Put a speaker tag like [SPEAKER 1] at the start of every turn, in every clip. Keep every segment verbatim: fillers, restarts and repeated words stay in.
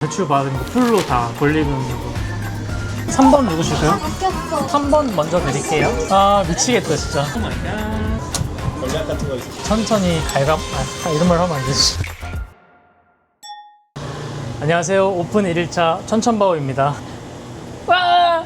[SPEAKER 1] 대출 받은 거 풀로 다 권리금으로. 삼 번 누구실까요?
[SPEAKER 2] 바뀌었어.
[SPEAKER 1] 삼 번 먼저 드릴게요. 아 미치겠다 진짜.
[SPEAKER 3] 전략 같은 거 있어요?
[SPEAKER 1] 천천히 갈감. 아 이런 말 하면 안 되지. 안녕하세요. 오픈 일 일차 천천바오입니다. 와!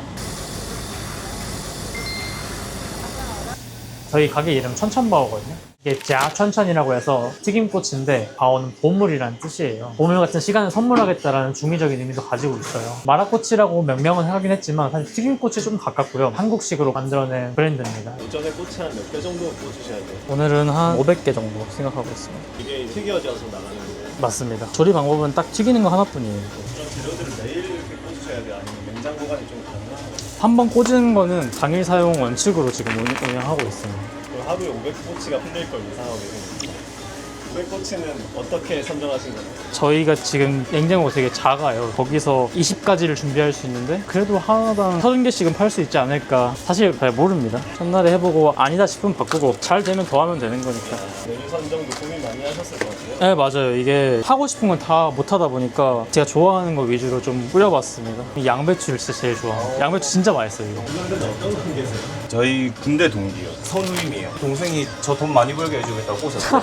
[SPEAKER 1] 저희 가게 이름 천천바오거든요. 이게 자천천이라고 해서 튀김꽃인데 바오는 보물이라는 뜻이에요. 보물 같은 시간을 선물하겠다라는 중의적인 의미도 가지고 있어요. 마라꼬치라고 명명은 하긴 했지만 사실 튀김꽃이 좀 가깝고요. 한국식으로 만들어낸 브랜드입니다.
[SPEAKER 3] 오전에 꽃이 한 몇 개 정도 꽂으셔야 돼요?
[SPEAKER 1] 오늘은 한 오백 개 정도 생각하고 있습니다.
[SPEAKER 3] 이게 튀겨져서 나가는 거예요?
[SPEAKER 1] 맞습니다. 조리 방법은 딱 튀기는 거 하나뿐이에요.
[SPEAKER 3] 그런 재료들을 매일 이렇게 꽂으셔야 돼요? 아니면 냉장 보관이 좀 가능한가요?
[SPEAKER 1] 한 번 꽂은 거는 당일 사용 원칙으로 지금 운- 운영하고 있습니다.
[SPEAKER 3] 그럼 하루에 오백 꼬치가 풀릴 걸 예상하고 계세요? 오백 꼬치는 어떻게 선정하신 거예요?
[SPEAKER 1] 저희가 지금 냉장고가 되게 작아요. 거기서 이십 가지를 준비할 수 있는데 그래도 하나당 서른 개씩은 팔 수 있지 않을까. 사실 잘 모릅니다. 첫날에 해보고 아니다 싶으면 바꾸고 잘 되면 더 하면 되는 거니까.
[SPEAKER 3] 메뉴 선정도 고민 많이 하셨을 것 같아요?
[SPEAKER 1] 네 맞아요. 이게 하고 싶은 건 다 못하다 보니까 제가 좋아하는 거 위주로 좀 뿌려봤습니다. 이 양배추를 진짜 제일 좋아해요. 양배추 진짜 맛있어요 이거.
[SPEAKER 3] 이분들은 어떤 관계세요?
[SPEAKER 4] 저희 군대 동기요. 선우임이에요. 동생이 저 돈 많이 벌게 해주겠다고 꼬셨어요.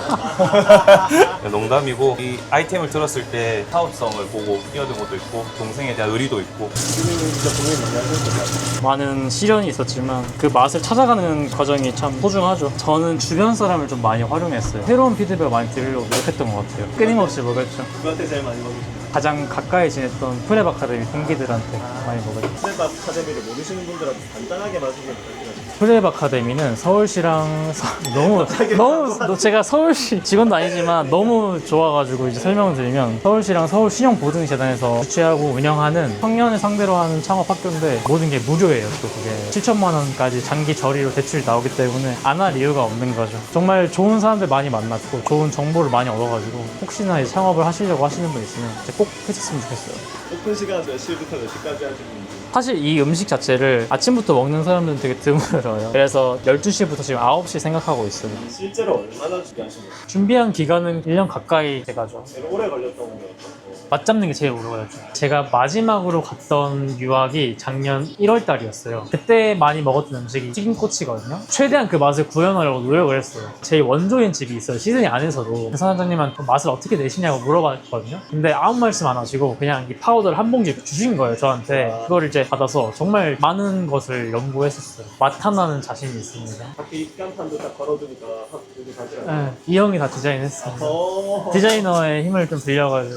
[SPEAKER 4] 농담이고 이 아이템을 들었을 때 사업성을 보고 뛰어든 것도 있고 동생에 대한 의리도 있고.
[SPEAKER 3] 지금 진짜 고민 많이 하셨을 것 같아요?
[SPEAKER 1] 많은 시련이 있었지만 그 맛을 찾아가는 과정이 참 소중하죠. 저는 주변 사람을 좀 많이 활용했어요. 새로운 피드백을 많이 들으려고 노력했던 것 같아요. 끊임없이 먹었죠.
[SPEAKER 3] 누구한테 제일 많이 먹으셨나요?
[SPEAKER 1] 가장 가까이 지냈던 프랩 아카데미 동기들한테 많이 먹었죠.
[SPEAKER 3] 프랩 아카데미를 모르시는 분들한테 간단하게 말씀해 부탁드려요.
[SPEAKER 1] 프랩 아카데미는 서울시랑 서- 너무 너무 너- 제가 서울시 직원도 아니지만 너무 좋아가지고 이제 설명을 드리면 서울시랑 서울신용보증재단에서 주최하고 운영하는 청년을 상대로 하는 창업 학교인데 모든 게 무료예요. 또 그게 칠천만 원까지 장기 저리로 대출이 나오기 때문에 안 할 이유가 없는 거죠. 정말 좋은 사람들 많이 만났고 좋은 정보를 많이 얻어가지고 혹시나 이제 창업을 하시려고 하시는 분 있으면 이제 꼭 했었으면 좋겠어요.
[SPEAKER 3] 오픈 시간 몇 시부터 몇 시까지 하시는지?
[SPEAKER 1] 사실 이 음식 자체를 아침부터 먹는 사람들은 되게 드물어요. 그래서 열두 시부터 지금 아홉 시 생각하고 있어요.
[SPEAKER 3] 실제로 얼마나 준비하신 거예요?
[SPEAKER 1] 준비한 기간은 일 년 가까이 돼가죠.
[SPEAKER 3] 제일 오래 걸렸던 게 어떤 거예요?
[SPEAKER 1] 맛 잡는 게 제일 오래 걸렸죠. 제가 마지막으로 갔던 유학이 작년 일월 달이었어요. 그때 많이 먹었던 음식이 튀김꼬치거든요. 최대한 그 맛을 구현하려고 노력을 했어요. 제일 원조인 집이 있어요. 시드니 안에서도. 그 사장님한테 맛을 어떻게 내시냐고 물어봤거든요. 근데 아무 말씀 안 하시고 그냥 이 파우더를 한 봉지 주신 거예요, 저한테. 그걸 이제 받아서 정말 많은 것을 연구했었어요. 맛 하나는 자신이 있습니다.
[SPEAKER 3] 밖에 입간판도 딱 걸어두니까 확 여기 가지라고.
[SPEAKER 1] 네, 이 형이 다 디자인했어요.
[SPEAKER 3] 어.
[SPEAKER 1] 디자이너의 힘을 좀 빌려가지고.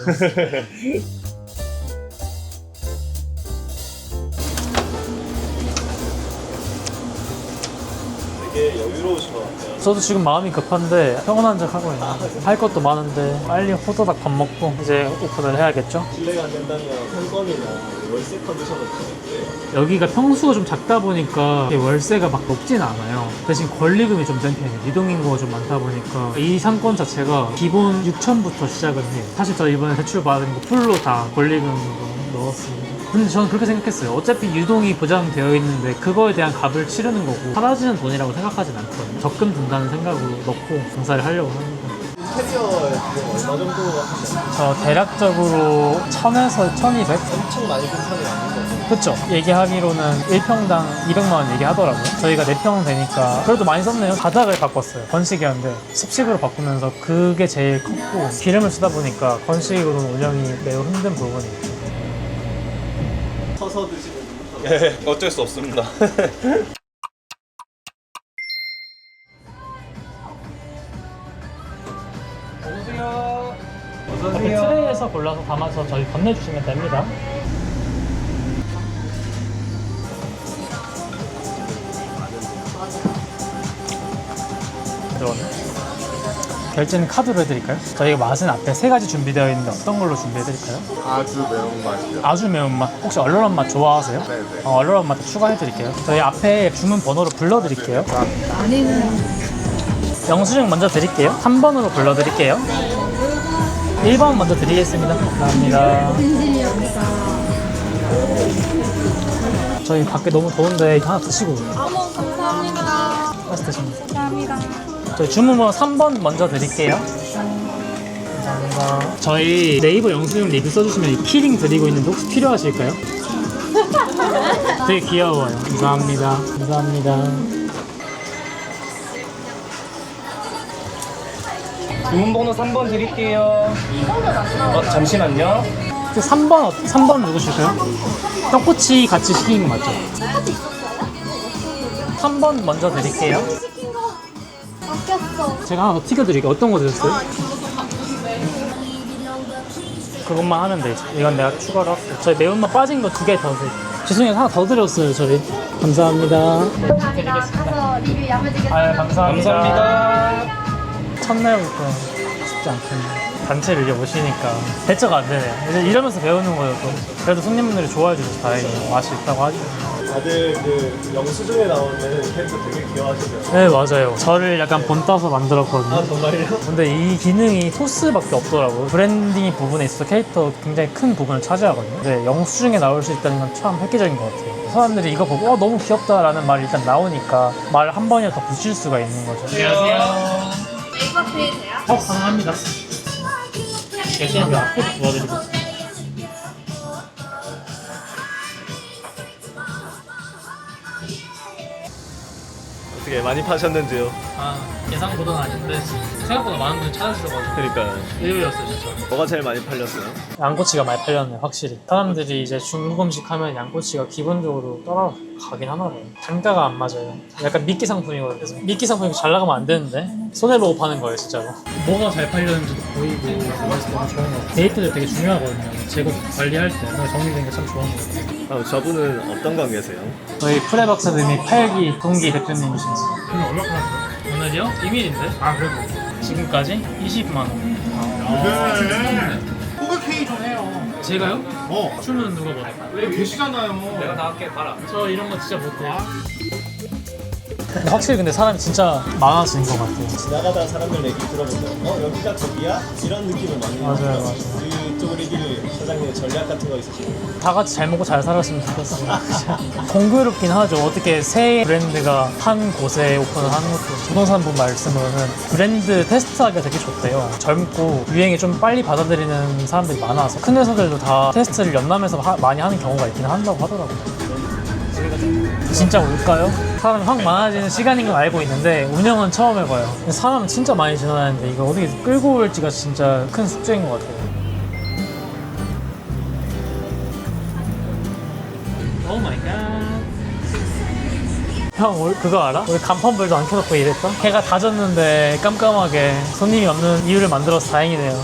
[SPEAKER 3] 되게 여유로우신 것 같아요.
[SPEAKER 1] 저도 지금 마음이 급한데 평온한 척 하고 있네요. 할 것도 많은데 빨리 호다닥 밥 먹고 이제 오픈을 해야겠죠?
[SPEAKER 3] 실례가 안 된다면 상권이나 월세 컨디션 어떻게
[SPEAKER 1] 여기가 평수가 좀 작다 보니까 월세가 막 높진 않아요. 대신 권리금이 좀 센 편이에요. 이동인구가 좀 많다 보니까 이 상권 자체가 기본 육천부터 시작은 해요. 사실 저 이번에 대출 받은 거 풀로 다 권리금으로 넣었습니다. 근데 저는 그렇게 생각했어요. 어차피 유동이 보장되어 있는데 그거에 대한 값을 치르는 거고 사라지는 돈이라고 생각하진 않거든요. 적금 든다는 생각으로 넣고 장사를 하려고 하는 거예요.
[SPEAKER 3] 인테리어 지금 얼마 정도 하셨나요?
[SPEAKER 1] 저 대략적으로 천에서 천이백?
[SPEAKER 3] 엄청 많이 큰 편이 아닌 거죠?
[SPEAKER 1] 그쵸. 얘기하기로는 일 평당 이백만 원 얘기하더라고요. 저희가 네 평 되니까 그래도 많이 썼네요. 바닥을 바꿨어요. 건식이었는데 습식으로 바꾸면서 그게 제일 컸고 기름을 쓰다 보니까 건식으로는 운영이 매우 힘든 부분이 있죠.
[SPEAKER 3] 서서 드시는 분.
[SPEAKER 4] 네, 어쩔 수 없습니다.
[SPEAKER 1] 이렇게 트레이에서 골라서 담아서 저희 건네주시면 됩니다. 들어오네. 결제는 카드로 해드릴까요? 저희가 맛은 앞에 세 가지 준비되어 있는데 어떤 걸로 준비해드릴까요?
[SPEAKER 5] 아주 매운맛이요.
[SPEAKER 1] 아주 매운맛. 혹시 얼얼한 맛 좋아하세요?
[SPEAKER 5] 네네.
[SPEAKER 1] 어, 얼얼한 맛도 추가해드릴게요. 저희 앞에 주문 번호로 불러드릴게요. 영수증 먼저 드릴게요. 삼 번으로 불러드릴게요. 일 번 먼저 드리겠습니다. 감사합니다. 저희 밖에 너무 더운데 이거 하나 드시고
[SPEAKER 2] 어머, 감사합니다.
[SPEAKER 1] 하나씩 드십니다.
[SPEAKER 2] 감사합니다.
[SPEAKER 1] 저희 주문 번호 삼 번 먼저 드릴게요. 감사합니다. 감사합니다. 저희 네이버 영수증 리뷰 써주시면 키링 드리고 있는데 혹시 필요하실까요? 되게 귀여워요. 감사합니다. 감사합니다.
[SPEAKER 4] 주문번호 삼 번 드릴게요. 어, 잠시만요.
[SPEAKER 1] 삼 번, 삼 번 누구실까요? 떡꼬치 같이 시킨 거 맞죠? 삼 번 먼저 드릴게요.
[SPEAKER 2] 시킨 거 바뀌었어.
[SPEAKER 1] 제가 하나 더 튀겨드릴게요. 어떤 거 드셨어요? 그것만 하면 되지. 이건 내가 추가로 할게요. 저희 매운맛 빠진 거 두 개 더 드릴게요. 죄송해요. 하나 더 드렸어요, 저희. 감사합니다.
[SPEAKER 2] 감사합니다. 가서 리뷰 야무지게.
[SPEAKER 1] 아유, 감사합니다.
[SPEAKER 4] 감사합니다.
[SPEAKER 1] 첫날부터 쉽지 않겠네요. 단체를 이제 오시니까 대처가 안 되네요. 이제 이러면서 배우는 거여서 그래도 손님분들이 좋아해 주셔서 다행이에요. 맛이 있다고 하죠.
[SPEAKER 3] 다들 그 영수증에 나오는 캐릭터 되게 귀여워하시죠?
[SPEAKER 1] 네, 맞아요. 저를 약간 본 따서 만들었거든요.
[SPEAKER 3] 아 정말요?
[SPEAKER 1] 근데 이 기능이 소스밖에 없더라고요. 브랜딩 부분에 있어서 캐릭터 굉장히 큰 부분을 차지하거든요. 근데 영수증에 나올 수 있다는 건 참 획기적인 것 같아요. 사람들이 이거 보고 어, 너무 귀엽다라는 말이 일단 나오니까 말 한 번이라도 더 붙일 수가 있는 거죠. 안녕하세요.
[SPEAKER 2] 네이버 페이 돼요?
[SPEAKER 1] 어, 가능합니다. 죄송합니다. 앞으로 도와드리고 있습니다.
[SPEAKER 3] 어떻게 많이 파셨는지요?
[SPEAKER 1] 아, 예상보다는 아닌데 생각보다 많은 분이 찾아주셔가지고
[SPEAKER 3] 그러니까요.
[SPEAKER 1] 의외였어요, 진짜.
[SPEAKER 3] 뭐가 제일 많이 팔렸어요?
[SPEAKER 1] 양꼬치가 많이 팔렸네, 확실히. 사람들이 이제 중국 음식 하면 양꼬치가 기본적으로 따라가긴 하나 봐요. 단가가 안 맞아요. 약간 미끼 상품이거든요. 그래서 미끼 상품이 잘 나가면 안 되는데 손해보고 파는 거예요, 진짜로. 뭐가 잘 팔렸는지도 보이고 그래서 너무 좋은 것 같아요. 데이트도 되게 중요하거든요. 재고 관리할 때 정리된 게 참 좋은 것 같아요.
[SPEAKER 3] 아, 저분은 어떤 관계세요?
[SPEAKER 1] 저희 프레박사님이 팔 기 동기 대표님이십니다. 오늘 얼마 팔았어요? 오늘이요? 비밀인데? 아, 그래도 지금까지 이십만 원.
[SPEAKER 5] 호가 K 좀 해요.
[SPEAKER 1] 제가요?
[SPEAKER 5] 어.
[SPEAKER 1] 춤은 누가 봐요?
[SPEAKER 5] 왜 계시잖아요.
[SPEAKER 4] 내가 다 할게, 봐라.
[SPEAKER 1] 저 이런 거 진짜 못해요. 근데 확실히 근데 사람이 진짜 많아지는 것 같아요.
[SPEAKER 3] 지나가다 사람들 얘기 들어보면 어 여기가 저기야? 이런 느낌을 많이
[SPEAKER 1] 맞아요,
[SPEAKER 3] 받아요.
[SPEAKER 1] 맞아요.
[SPEAKER 3] 그쪽을 이길 사장님의 전략 같은 거 있으시나요?
[SPEAKER 1] 다 같이 잘 먹고 잘 살았으면 좋겠어요. 공교롭긴 하죠. 어떻게 새 브랜드가 한 곳에 오픈을 하는 것도. 부동산분 말씀으로는 브랜드 테스트하기가 되게 좋대요. 젊고 유행에 좀 빨리 받아들이는 사람들이 많아서 큰 회사들도 다 테스트를 연남에서 하- 많이 하는 경우가 있긴 한다고 하더라고요. 진짜 올까요? 사람이 확 많아지는 시간인 건 알고 있는데 운영은 처음 해봐요. 근데 사람은 진짜 많이 지나다니는데 이걸 어떻게 끌고 올지가 진짜 큰 숙제인 것 같아요. 오 마이 갓. 형, 우리 그거 알아? 우리 간판불도 안 켜놓고 일했다? 해가 다 졌는데 깜깜하게 손님이 없는 이유를 만들어서 다행이네요.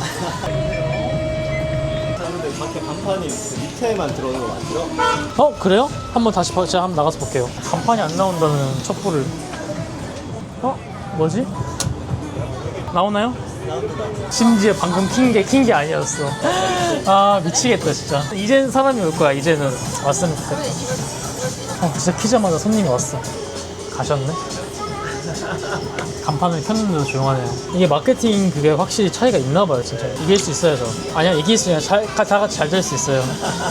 [SPEAKER 3] 사람들 밖에 간판이 그 밑에만 들어오는 거 맞죠?
[SPEAKER 1] 어? 그래요? 한번 다시 봐- 제가 한번 나가서 볼게요. 간판이 안 나온다는 첩보를. 어? 뭐지? 나오나요? 심지어 방금 킨 게 킨 게 아니었어. 아, 미치겠다 진짜. 이제는 사람이 올 거야. 이제는 왔으면 좋겠다. 어, 진짜 키자마자 손님이 왔어. 가셨네. 간판을 켰는데도 조용하네요. 이게 마케팅 그게 확실히 차이가 있나 봐요, 진짜. 이길 수 있어야죠. 아니야, 이길 수 있어요. 잘, 다 같이 잘 될 수 있어요.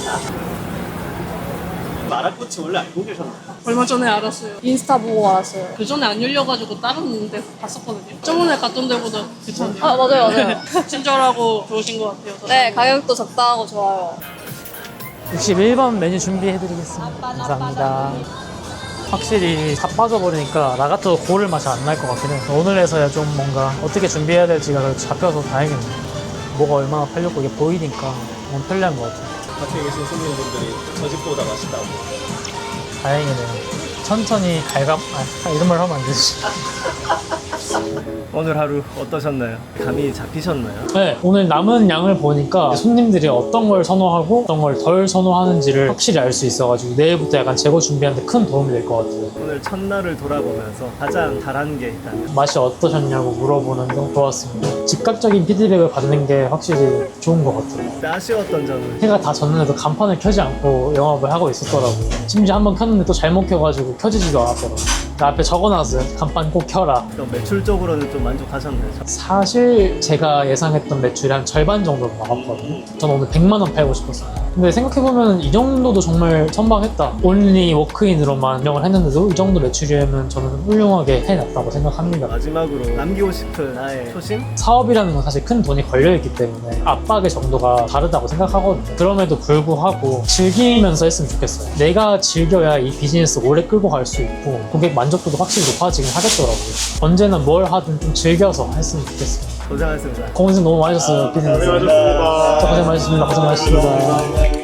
[SPEAKER 3] 마라꼬치 원래 알고 계셨나요?
[SPEAKER 6] 얼마 전에 알았어요.
[SPEAKER 2] 인스타 보고 알았어요.
[SPEAKER 6] 그 전에 안 열려가지고 다른 데서 봤었거든요. 저번에 갔던 데보다 괜찮네요.
[SPEAKER 2] 아, 맞아요, 맞아요.
[SPEAKER 6] 친절하고 좋으신 것 같아요.
[SPEAKER 2] 네, 가격도 적당하고 좋아요.
[SPEAKER 1] 육십일 번 메뉴 준비해드리겠습니다. 감사합니다. 확실히 다 빠져버리니까 나가도 고를 맛이 안 날 것 같긴 해요. 오늘에서야 좀 뭔가 어떻게 준비해야 될지가 그래도 잡혀서 다행이네요. 뭐가 얼마나 팔렸고 이게 보이니까 너무 편리한 것 같아요.
[SPEAKER 3] 밖에 계신 손님분들이 저 집보다 맛있다고.
[SPEAKER 1] 다행이네요. 천천히 갈감, 아, 이런 말 하면 안 되지.
[SPEAKER 3] 오늘 하루 어떠셨나요? 감이 잡히셨나요?
[SPEAKER 1] 네, 오늘 남은 양을 보니까 손님들이 어떤 걸 선호하고 어떤 걸 덜 선호하는지를 확실히 알 수 있어가지고 내일부터 약간 재고 준비하는데 큰 도움이 될 것 같아요.
[SPEAKER 3] 오늘 첫날을 돌아보면서 가장 잘한 게 있다면?
[SPEAKER 1] 맛이 어떠셨냐고 물어보는 게 좋았습니다. 즉각적인 피드백을 받는 게 확실히 좋은 것 같아요.
[SPEAKER 3] 근데 아쉬웠던 점은?
[SPEAKER 1] 해가 다 졌는데도 간판을 켜지 않고 영업을 하고 있었더라고요. 심지어 한번 켰는데 또 잘못 켜가지고 켜지지도 않았더라고요. 앞에 적어놨어요. 간판 꼭 켜라.
[SPEAKER 3] 또 매출적으로는 좀 만족하셨나요?
[SPEAKER 1] 사실 제가 예상했던 매출이 한 절반 정도 나왔거든요. 저는 오늘 백만 원 팔고 싶었어요. 근데 생각해보면 이 정도도 정말 선방했다. 온리 워크인으로만 운영을 했는데도 이 정도 매출이면 저는 훌륭하게 해놨다고 생각합니다.
[SPEAKER 3] 마지막으로 남기고 싶은 나의 초심?
[SPEAKER 1] 사업 사업이라는 건 사실 큰 돈이 걸려있기 때문에 압박의 정도가 다르다고 생각하거든요. 그럼에도 불구하고 즐기면서 했으면 좋겠어요. 내가 즐겨야 이 비즈니스 오래 끌고 갈 수 있고 고객 만족도도 확실히 높아지긴 하겠더라고요. 언제나 뭘 하든 좀 즐겨서 했으면 좋겠어요.
[SPEAKER 3] 고생하셨습니다.
[SPEAKER 1] 고생 너무 많으셨어요, 피디님.
[SPEAKER 3] 고생하셨습니다.
[SPEAKER 1] 고생 많으셨습니다. 고생 많으셨습니다.